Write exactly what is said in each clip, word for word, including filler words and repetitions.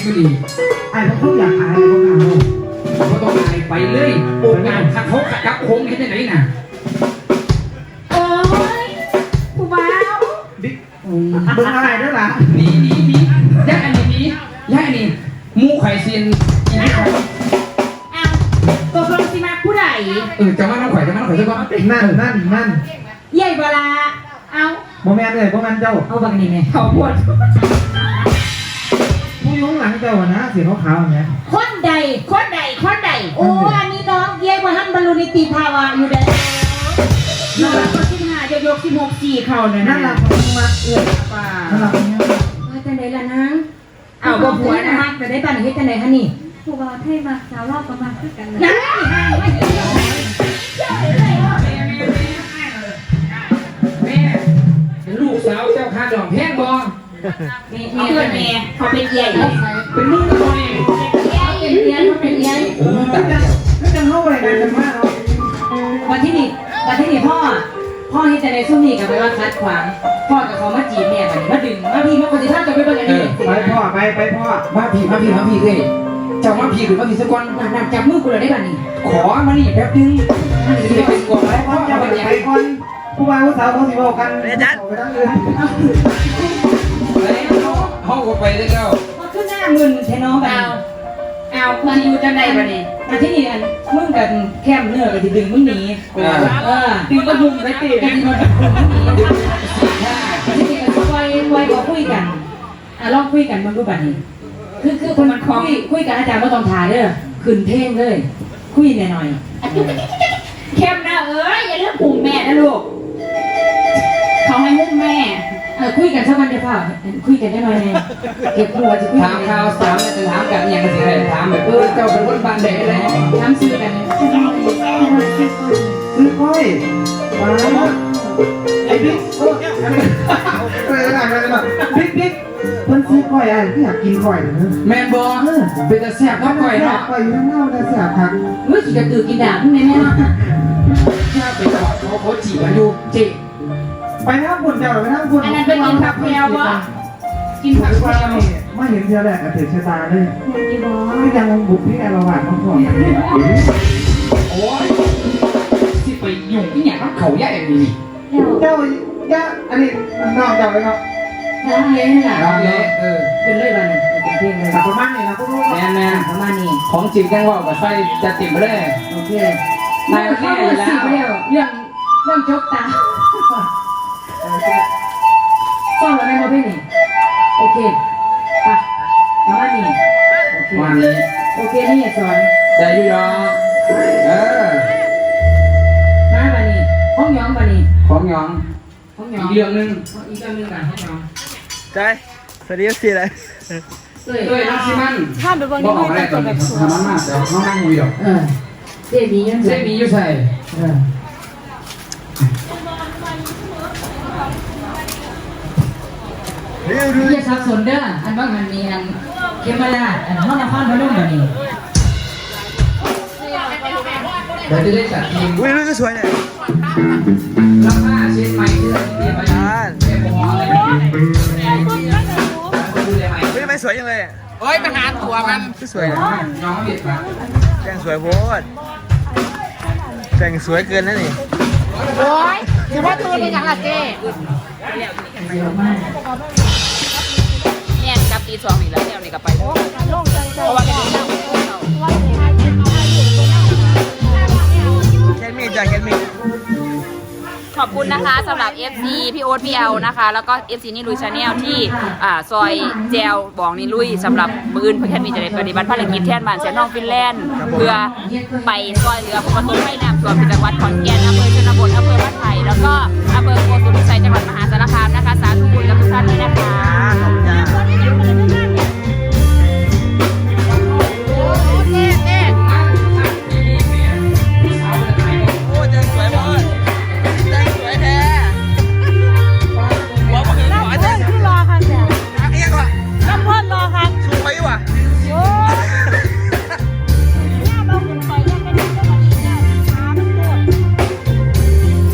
ก็ดีไอ้พวกอยากอายพวกเราเขาต้องอายไปเลยโอ้งานขัดเขาขัดกับโค้งเห็นยังไงน่ะโอ้ยผู้บ่าวบิ๊กเบิ่งอะไรด้วยล่ะนี่นี่นี่ย่าอันนี้นี่ย่าอันนี้มูไข่เซียนอีนี่ครับอ้าวตัวกลงสิมาผู้ใดเออจะมาน้องไข่จะมาน้องไข่จะก่อนนั่นนั่นนั่นใหญ่เวลาเอาโมแมนเลยโมแมนเจ้าเอาบางนี่ไงเขาปวดผู้ยุ่งหลังเจ้านะเสียขาวๆอย่างเงี้ยคนใดคนใดคนใดโอ้อันนี้น้องเย่มาหั่นบรรลุนิติภาวะอยู่เด้อน้องก็สิบห้ายกยกสิบหกสี่เข่าเนี่ยนั่นแหละผมมาเอื้อป่านั่นแหละเออจังไดล่ะนางเอาบ่ผัวนะมักแต่ได้ปานนี้จังไดคะนี่ผู้บ่าวไทยมาสาวรอบประมาณคือกันเลยนั่นไม่เห็นเลยแม่ลูกสาวเจ้าข้าดอกแพงบ่แม่แม่เพื่อนแม่เขาเป็นใหญ่เป็นลูกตัวเองเป็นเลี้ยงเขาเป็นเลี้ยงโอ้ตายก็จะเข้าไปกันกันมากเนาะวันที่นี่วันที่นี่พ่อพ่อที่จะในซุ้มนี่กับไปว่าคัดขวางพ่อกับเขามาจีบแม่กันมาดึงมาพี่มาคนที่ท่านจะไปเบิ่งอันนี้ไปพ่อไปไปพ่อมาพี่มาพี่มาพี่เลยเจ้ามาพี่หรือมาพี่สักคนนั่นจับมือกูเลยได้ป่ะนี่ขอมานี่แป๊บนึงมันจะเป็นก่อนแล้วพ่อจะไปไหนคนผู้บ่าวผู้สาวเขาสิบอกกันเรียนจัดไปทั้งเรือนห้องก็ไปได้แล้วมาขึ้นหน้ามึนเทน้องไปเอาเอามันอยู่จังใดป่ะนี่มาที่นี่อันมึงกับแคมเนื้อกับที่ดึงมึงหนีเออดึงกระบุงไปตีกันมันดึงมึงหนีที่นี่ก็คุยคุยก็คุยกันอ่ะลองคุยกันมึงดูป่ะนี่คือคือคนมันคุยคุยกันอาจารย์ก็ต้องถ่ายเด้อขึ้นเพลงเลยคุยหน่อยๆเข้มนะเอ้ยอย่าเลือกปุ่มแม่นะลูกเขาให้มุ่งแม่เออคุยกันสักวันเดียวเปล่าคุยกันได้หน่อยไงเก็บหัวจะคุยถามข่าวสาวจะถามกันอย่างสิถามแบบเออเจ้าเป็นคนบ้านไหนอะไรถามซื้อกันซื้อก้อยมาไอ้บิ๊กเอออะไรอะไรอะไรบิ๊กบิ๊กมันซื้อก้อยอะไรที่อยากกินก้อยนะแมนบอเป็นจะแซ่บก็ก้อยเนาะก้อยอยู่ข้างนอกจะแซ่บครับเมื่อกี้กระตือกินด่างแม่แม่เนาะแค่ไปจอดเขาเขาจีบกันอยู่จีไปนั่งบนเจ้าหรือไปนั่งบนอันนั้นเป็นกินผักแพรววะกินผักแพรวไม่เห็นเท่าแรกกระเถิดชะตาเลยกินบอไม่ยังบุกพี่แอร์ระหว่างเขาก่อนโอ้ยที่ไปยุ่งที่เนี่ยต้องเขาแย่อย่างนี้เจ้าย่าอันนี้นอกจากเลยครับร้องเละนี่แหละร้องเละเออเป็นเลยวันเป็นเพลงเลยประมาณนี้นะพวกลูกแม่แม่ประมาณนี้ของจริงแกงว่ากับไฟจะติดไปเลยโอเคนายแน่แล้วเรื่องเรื่องเรื่องจบตาต้องแล้วแม่มาพี่นี่โอเคปะประมาณนี้โอเควันนี้โอเคนี่สอนใจยุ่ยอเออมาบันนี้ห้องย้องบันนี้ของยองห้องย้องอีกเรื่องนึงอีกเรื่องนึงกันห้องย้องใจสวัสดีสิเลยเอ้ยเอ้ยน้องซิมันถ้าไปบนนี้ไม่ต้องแบบสวยทำมันมากเดี๋ยวน้องนั่งคุยหรอกเออเจ๊มียังเจ๊มีอยู่ใส่เอออย่าสับสนเด้ออันว่ามันมีอันเกมราอันห้องนครพนมแบบนี้เดี๋ยวจะได้จัดทีมอุ้ยรูปก็สวยเนี่ยรับผ้าเช็ดใหม่ที่เราเตรียมไว้เตรียมหัวอะไรแบบนี้อุ้ยไม่สวยยังเลยเฮ้ยมาหาตัวมันก็สวยนะน้องเบียดมาแต่งสวยโพดแต่งสวยเกินนะนี่โอ้ยถือว่าตัวเป็นอย่างไรเจ๊เยอะมากเนี่ยกับตีสองอีกแล้วเนี่ยนี่กับไปเพราะว่าแกดูแค่มีจ้ะแค่มีขอบคุณนะคะสำหรับ เอฟ ซี พี่โอ๊ตพี่แอลนะคะแล้วก็ เอฟ ซี นี่ลุยชาแนลที่อ่าซอยแจวบองนี่ลุยสำหรับมืออื่นเพื่อนมีจะได้ปฏิบัติภารกิจแทนบ้านแสนทองฟินแลนด์เพื่อไปซอยเรือผู้ประสบภัยน้ำท่วมจังหวัดขอนแก่นอำเภอชนบทอำเภอบ้านไผ่แล้วก็อำเภอโกสุมพิสัยจังหวัดมหาสารคามนะคะสาธุบุญกับทุกท่านด้วยนะคะ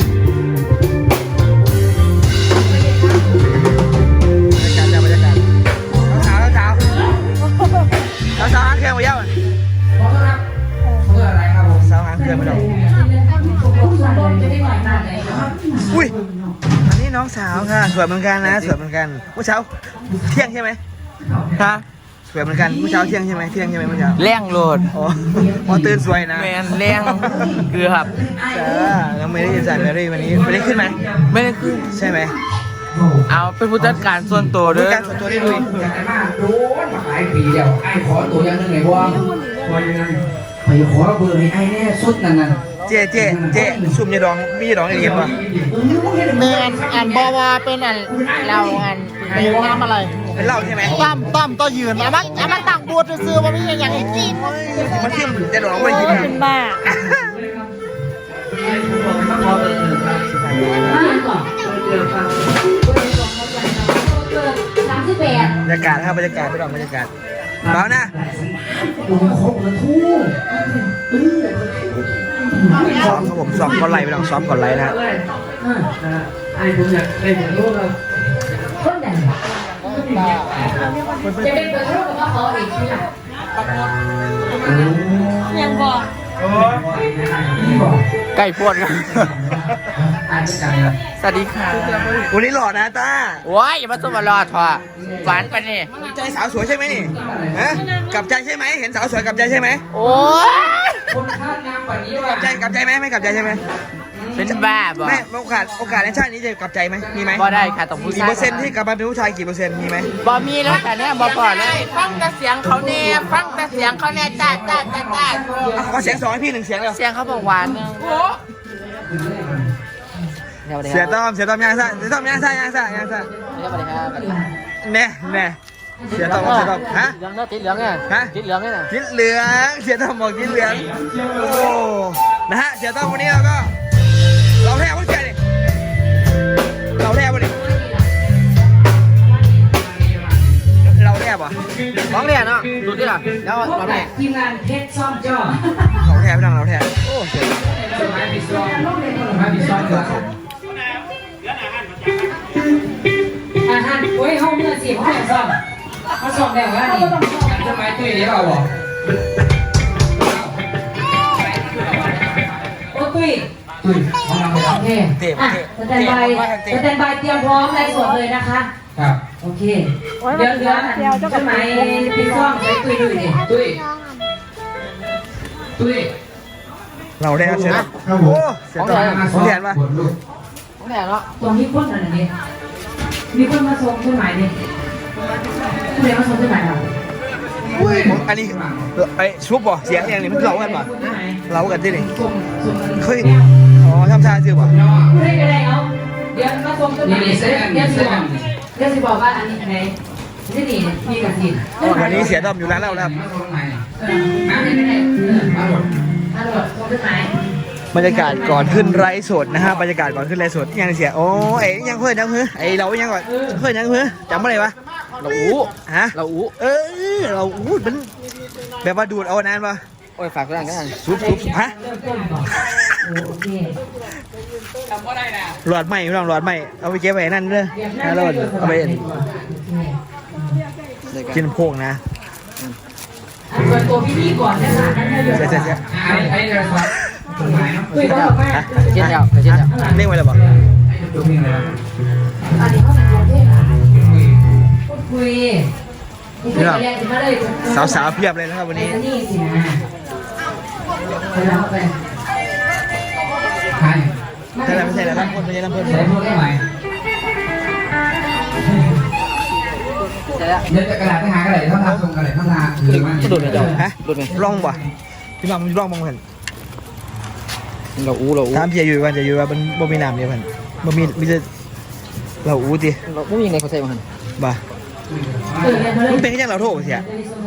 บเย้าขอโทษครับขอโทษอะไรครับผมสาวหางเครื่องไม่ต้องผู้ชมรมจะได้หน่อยหน่อยนะครับอุ้ยอันนี้น้องสาวค่ะสวยเหมือนกันนะสวยเหมือนกันเมื่อเช้าเที่ยงใช่ไหมฮะสวยเหมือนกันเมื่อเช้าเที่ยงใช่ไหมเที่ยงใช่ไหมเมื่อเช้าแรงโหลดอ๋ออ๋อตื่นสวยนะแมนแรงคือครับจ้าน้องเมรี่จ่ายเมรี่วันนี้ไม่ได้ขึ้นไหมไม่ได้ขึ้นใช่ไหมเอาเป็นผู้จัดการส่วนตัวดูเด้วยการส่วนตัวได้ลุยอยากได้มากโดนมาหลายปีเดียวไอ้ขอตัวอย่างหนึงไงบ้างตัวยังไงไปขอเบอร์ให้ไอ้แน่สุดนั่นน่ะเจ๊เจ๊เจ๊ซุ่มยาดองมียาดองในเรียนป่ะแมนอันบอว่าเป็นอันเราอันเป็นน้ำอะไรเป็นเหล้าใช่ไหมตั้มตั้มต่อยืนอามันอามันต่างบูดซื้อๆว่าไม่ใช่อย่างให้กินมันซิ่มยาดองไม่ได้กินนะเป็นบ้ามาก่อนสามสิบแปดบรรยากาศครับบรรยากาศไปลองบรรยากาศเปล่านะตัวครบเลยทู่ซ้อมครับผมซ้อมก่อนไล่ไปลองซ้อมก่อนไล่นะฮะไอ้ผมอยากได้เหมือนลูกเราคนไหนจะเป็นเบอร์โทรกับว่าเขาเองใช่ไหมยังบอกใกล้พวดกันอาจจะจังสวัสดีค่ะวันนี้หล่อนะต้าว้ายอย่ามาสมารอดทอะหวานไปนี่ใจสาวสวยใช่ไหมนี่ฮะกลับใจใช่ไหมเห็นสาวสวยกลับใจใช่ไหมโอ้ยคนคาดงามกว่านี้กว่าลับใจกลับใจไหมไม่กลับใจใช่ไหมเป็นบ้าบ่ไม่โอกาสโอกาสในชาตินี้จะกลับใจไหมมีไหมบ่ได้ค่ะต้องผู้กี่ชายเปอร์เซ็นต์ที่กลับมาเป็นผู้ชายกี่เปอร์เซ็นต์มีไหมบ่มีแล้วแต่เนี่ยบ่พอเลยฟังแต่เสียงเขาแน่ฟังแต่เสียงเขาแน่จ้าจ้าจ้าจ้าอ่ะขอเสียงสองให้พี่หนึ่งเสียงเร็วเสียงเขาบอกหวานนึงเสียต้อมเสียต้อมยางซ่าเสียต้อมยางซ่ายางซ่ายางซ่าสวัสดีครับแน่แน่เสียต้อมเสียต้อมฮะเหลืองเนาะติดเหลืองไงฮะติดเหลืองไงน่ะทิศเหลืองเสียต้อมบอกทิศเหลืองโอ้นะฮะเสียต้อมวันนี้เราก็เราแทบวันเสียดิเราแทบวันนี้เราแทบอ่ะของเนี่ยเนาะดูดิล่ะแล้วพวกมาแบแม่บทีมงานเพชรซ่อมจ้อเราแทบไม่ดังเราแทบโอ้เสียสมัยปีสองสมัยปีสองครับอาหารโอ้ยห้องเมื่อสิบห้องซ่อมเขาซ่อมแล้วว่านี่สมัยตุ้ยเดี๋ยวเอาบอกโอ้ตุ้ยตุ้ยของเราโอเคอ่ะสแตนบายสแตนบายเตรียมพร้อมไลฟ์สดเลยนะคะครับโอเคเดี๋ยวเดี๋ยวเดี๋ยวสมัยปีซ่อมใช้ตุ้ยด้วยดิตุ้ยตุ้ยเราแทบเสียต้อมโอ้เสียต้อมของแทนป่ะของเนี่ยเนาะตรงนี้พ่นอะไรเนี่ยมีคนมาส่งต้นไม้ดิผู้ใดมาส่งต้นไม้เราอันนี้ไอ้ชุบบ่เสียงเองนี่มันเรากันป่ะเรากันที่นี่ส่งส่งเฮ้ยอ๋อทำชาซื่อป่ะผู้ใดก็ได้เอาเดี๋ยวมาส่งต้นไม้เดี๋ยวเดี๋ยวสิบอกเดี๋ยวสิบอกว่าอันนี้ไหนที่นี่มีกระสินวันนี้เสียต้อมอยู่ร้านเราแล้วครับมาตรงไหนเออมาเลยก็ได้เออมาหมดมาโดดส่งต้นไม้บรรยากาศก่อนขึ้นไลฟ์สดนะฮะบรรยากาศก่อนขึ้นไลฟ์สดยังเสียโอ้ไอ้ยังเพื่อนยังเพื่อนไอ้เรายังก่อนเพื่อนยังเพื่อนจำอะไรวะเราอู้ฮะเราอู้เออเราอู้มันแบบว่าดูดเอานานปะโอ้ยฝากกันกันซุบซุบฮะเริ่มต้นก่อนโอเคหลอดใหม่ไม่ต้องหลอดใหม่เอาไปเก็บไว้นั่นเด้อนะหลอดเอาไปกินโพกนะอันเปิดตัวพี่พี่ก่อนนะคะนั่นให้เดี๋ยวเสียเสียเสียไอ้ไอ้เรื่องครับตรงไหนเนาะคุยกันบอกว่าเช่นเดียวเช่นเดียวเรียกไว้เลยบอกไอ้ตรงนี้อะไรนะอันนี้เขาเป็นตัวเทศอ่ะพูดคุยคุยกันเลยมาเลยสาวๆเพียบเลยนะครับวันนี้นี่สินะไปแล้วไปใครใช่แล้วไม่ใช่แล้วน้ำพ่นไม่ใช่น้ำพ่นใส่พวกได้ไหมเสร็จแล้วเดี๋ยวจะกระดาษไปหากระดาษท่าทางส่งกระดาษท่าทางหรือมันจะดูดไหมเจ้าฮะดูดไหมร่องบ่พี่น้องมันร่องบ้างเพื่อนเราอู้เราอู้ถามเพียอยู่วันจะอยู่ว่ามันบ่มีน้ำเนี่ยเพื่อนบ่มีมีแต่เราอู้ดิเราไม่มีไงเขาใส่มาหันบ่เออเนี่ยมาเลยมันเป็นแค่เราโทษเสีย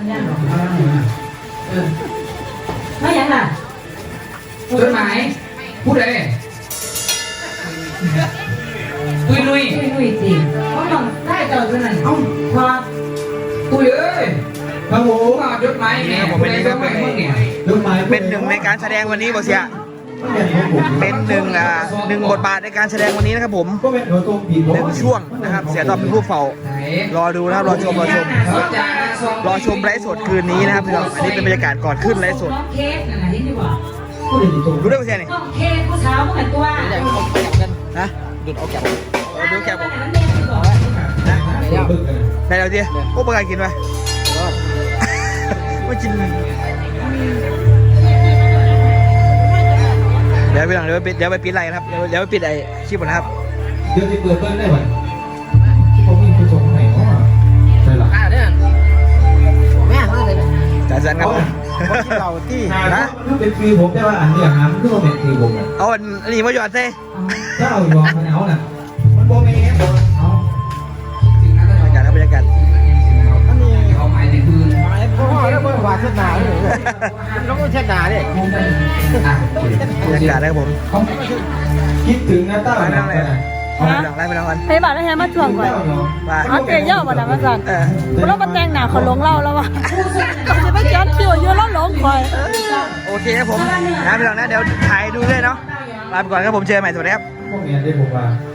ไม่ยังล่ะจดหมายพูดเลยตุ้ยลุยคุยคุยจริงเพราะต้องได้ต่อกันนั่นเอ้าพอตุ้ยเอ้ยมาโหมาจดหมายเนี่ยผมไม่ได้จดหมายมึงเนี่ยจดหมายเป็นหนึ่งในการแสดงวันนี้บ่เสียเป็นหนึ่งอ่าหนึ่งบทบาทในการแสดงวันนี้นะครับผมก็เป็นตัวตรงผิดหนึ่งช่วงนะครับเสียตอบเป็นผู้เฝ้า รอดูนะครับรอชมรอชมรอชมไลฟ์สดคืนนี้นะครับพี่น้องอันนี้เป็นบรรยากาศก่อนขึ้นไลฟ์สดน้องเค้กนั่นน่ะเห็นอยู่บ่รู้ได้ไหมเสียนี่น้องเค้กผู้สาวผู้หันตัวนะดูดเอาแกะดูแกะบอกนั่นเองที่บอกได้แล้วดิโอ้ประกาศกินไหมไม่กินเดี๋ยวไปหลังเดี๋ยวไปปิดเดี๋ยวไปปิดไลน์ครับเดี๋ยวเดี๋ยวไปปิดไอ้คลิปก่อนนะครับเดี๋ยวจะเปิดเบิ้ลได้ไหมที่ผมมีผู้ชมไหนเนาะใช่หรอจ่ายสันครับเราที่นะถ้าเป็นฟรีผมได้ว่าอันเนี้ยหามันก็เป็นฟรีผมเอาอันนี้มาหยอดเซ่ถ้าเอายอมมันเอาน่ะมันโบเมนเอาสิ่งนั้นบรรยากาศครับบรรยากาศเอาไม้ในพื้นพ่อแล้วเมื่อวานเช็ดหนาเลยต้องเช็ดหนาดิบรรยากาศนะครับผมคิดถึงนะต้าไปนั่งเลยไปนั่งไล่ไปนั่งกันให้บาทให้มาช่วงก่อนไปเอาเกยเย่ามาดังมาสั่นเออเรามาแต่งหนาเขาหลงเราแล้ววะเขาจะไปย้อนคิวอยู่แล้วหลงคอยโอเคครับผมนะพี่น้องนะเดี๋ยวถ่ายดูด้วยเนาะลาไปก่อนครับผมเจอกันใหม่สวัสดีครับพวกนี้ได้ผมว่า